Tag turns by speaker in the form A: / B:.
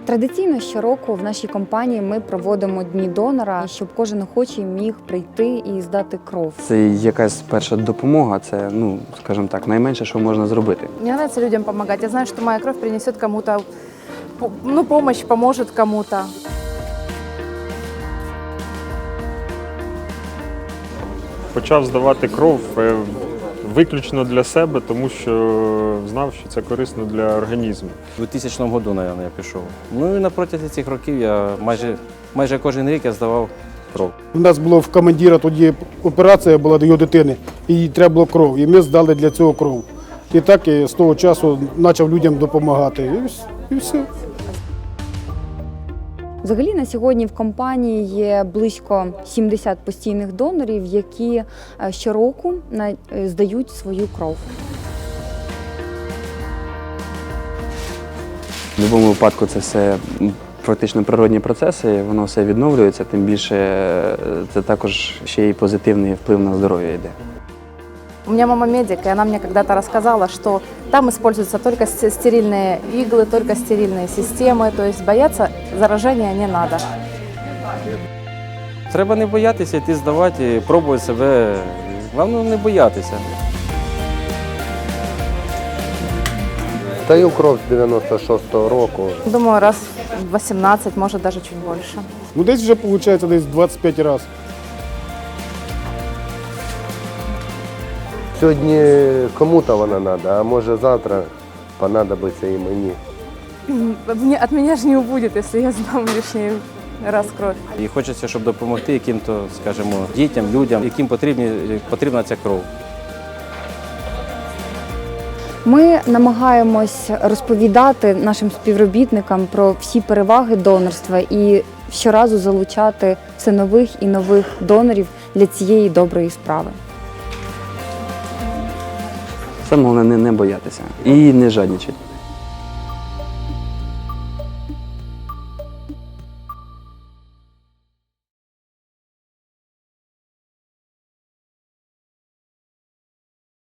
A: Традиційно щороку в нашій компанії ми проводимо Дні донора, щоб кожен охочий міг прийти і здати кров.
B: Це якась перша допомога, це, скажімо так, найменше, що можна зробити.
C: Мне нравится людям помогать. Я знаю, что моя кровь принесет кому-то, помощь, поможет кому-то.
D: Почав здавати кров виключно для себе, тому що знав, що це корисно для організму.
E: У 2000 році, мабуть, я пішов. Ну і на протязі цих років я майже кожен рік я здавав кров.
F: У нас було в командира тоді операція була до його дитини, і їй треба було кров, і ми здали для цього кров. І так я з того часу почав людям допомагати. І все.
A: Взагалі на сьогодні в компанії є близько 70 постійних донорів, які щороку здають свою кров.
B: В будь-якому випадку це все практично природні процеси, воно все відновлюється, тим більше це також ще й позитивний вплив на здоров'я йде.
C: У меня мама медик, и она мне когда-то рассказала, что там используются только стерильные иглы, только стерильные системы, то есть бояться заражения не надо.
E: Треба не боятися йти здавати, пробувати себе. Головне не боятися.
G: Даю кров з 96-го року.
C: Думаю, раз в 18, может даже чуть больше.
F: Ну десь вже виходить десь 25 разів.
G: Сьогодні кому-то вона треба, а може завтра понадобиться і мені.
C: От меня же не убудет, если я сдам лишний раз кровь.
E: І хочеться, щоб допомогти яким-то, скажімо, дітям, людям, яким потрібна ця кров.
A: Ми намагаємось розповідати нашим співробітникам про всі переваги донорства і щоразу залучати все нових і нових донорів для цієї доброї справи.
B: Саме головне не боятися і не жадничати.